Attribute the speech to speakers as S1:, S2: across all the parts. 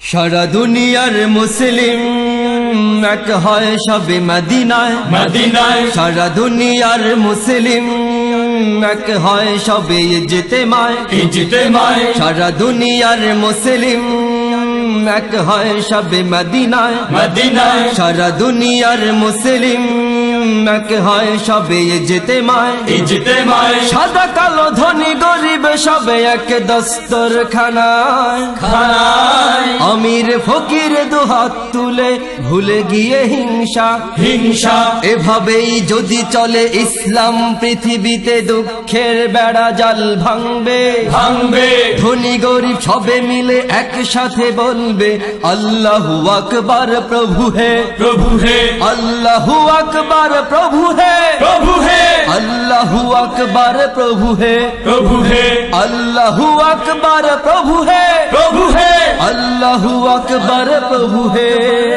S1: সারা দুনিয়ার মুসলিম এক হয় সবে মদিনায় মদিনায় সারা দুনিয়ার মুসলিম এক হয় সবে ইজতেমায় ইজতেমায় সারা দুনিয়ার মুসলিম এক হয় সবে মদিনায় মদিনায় সারা দুনিয়ার মুসলিম এক হয় সবে ইজতেমায় ইজতেমায় সাদা কালো ধনী গরিব সবে এক দস্তরখানায় খানায় আমির ফকির দুহাত তুলে ভুলে গিয়ে হিংসা হিংসা এভাবেই যদি চলে ইসলাম পৃথিবীতে দুঃখের বেড়া জাল ভাঙবে ভাঙবে ধনী গরিব সবে মিলে একসাথে বলবে আল্লাহু আকবার প্রভু হে প্রভু হে আল্লাহু আকবার प्रभु है अल्लाहु अकबर प्रभु है अल्लाहु अकबर प्रभु है अल्लाहु अकबर प्रभु है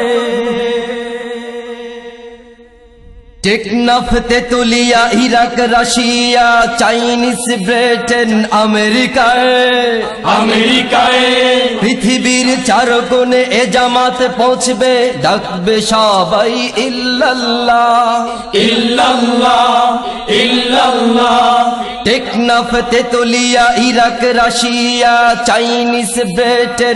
S1: Teknaf Tetulia Iraq Russia Chinese Britain আমেরিকায় পৃথিবীর চার কোণে এ জামাত পৌঁছবে ডাকবে সবাই ইল্লাল্লাহ ইল্লাল্লাহ ইল্লাল্লাহ Teknaf Tetulia Iraq Russia Chinese Britain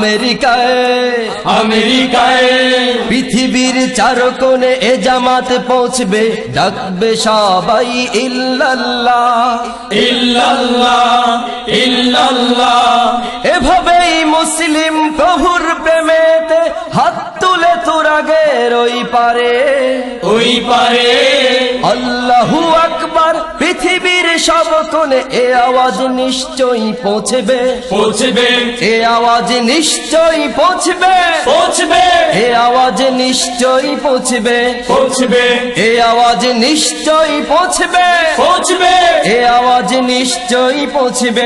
S1: আমেরিকায় পৃথিবীর চার কোণে এ জামাত পৌঁছবে ডাকবে সবাই ইল্লাল্লাহ ইল্লাল্লাহ ইল্লাল্লাহ এভাবেই মুসলিম প্রভুর প্রেমেতে হাত তুলে তুরাগের ওই পারে আল্লাহু আকবার পৃথিবীর সব কোণে এ আওয়াজ নিশ্চয়ই পৌঁছবে এ আওয়াজ নিশ্চয়ই পৌঁছবে এ আওয়াজ নিশ্চয়ই পৌঁছবে এ আওয়াজ নিশ্চয়ই পৌঁছবে এ আওয়াজ নিশ্চয়ই পৌঁছবে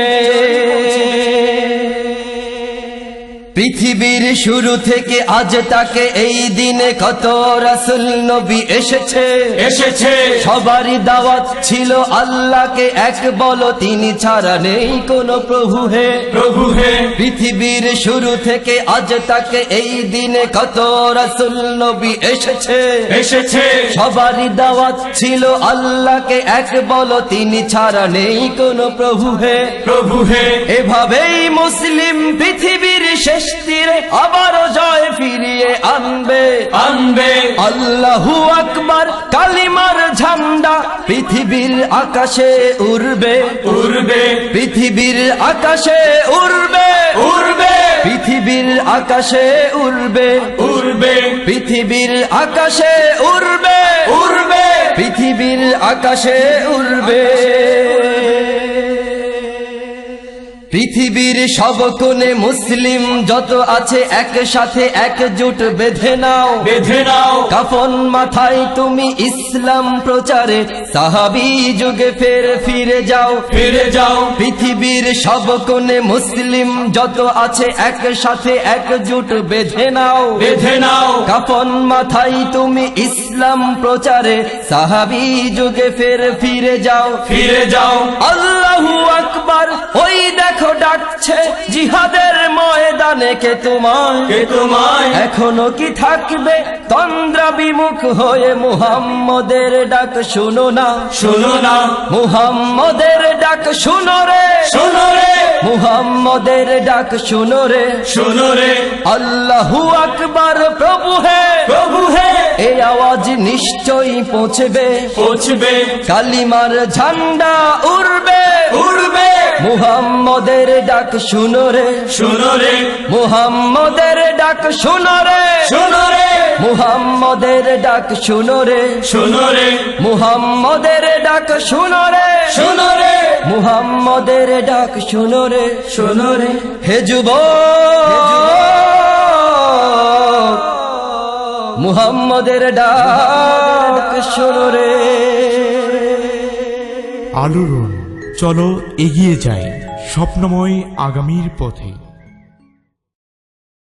S1: পৃথিবীর শুরু থেকে আজ তাকে এই দিনে কত রাসূল নবী এসেছে সবারই দাওয়াত ছিল আল্লাহকে এক বলো তিনি ছাড়া নেই কোনো প্রভু হে পৃথিবীর শুরু থেকে আজ তাকে এই দিনে কত রাসূল নবী এসেছে সবারই দাওয়াত ছিল আল্লাহকে এক বলো তিনি ছাড়া নেই কোনো প্রভু হে এভাবেই মুসলিম পৃথিবীর শেষ তীরে আবারও জয় ফিরিয়ে আনবে আল্লাহু আকবার কালিমার ঝান্ডা পৃথিবীর আকাশে উড়বে পৃথিবীর আকাশে উড়বে পৃথিবীর আকাশে উড়বে পৃথিবীর আকাশে উড়বে পৃথিবীর আকাশে উড়বে পৃথিবীর সব কোণে মুসলিম যত আছে একসাথে একজোট বেঁধে নাও কাফন মাথায় তুমি ইসলাম প্রচারে সাহাবী যুগে ফিরে যাও পৃথিবীর সব কোণে মুসলিম যত আছে একসাথে একজোট বেঁধে নাও কাফন মাথায় তুমি ইসলাম প্রচারে সাহাবী যুগে ফিরে যাও আল্লাহু আকবার ওই দেখো ডাকছে জিহাদের ময়দানে কে তোমায় এখনো কি থাকবে তন্দ্রা বিমুখ হয়ে মুহাম্মদের ডাক শুনো না মুহাম্মদের ডাক শুনো রে মুহাম্মদের ডাক শুনো রে আল্লাহু আকবার প্রভু হে এই আওয়াজ নিশ্চয়ই পৌঁছবে কালিমার ঝান্ডা উড়বে মুহাম্মদের ডাক শুনো রে মুহাম্মদের ডাক শুনো রে মুহাম্মদের ডাক শুনো রে মুহাম্মদের ডাক শুনো রে মুহাম্মদের ডাক শুনো রে হে যুবক মুহাম্মদের ডাক শুনো রে
S2: আলোড়ন চলো এগিয়ে যাই স্বপ্নময় আগামীর পথে।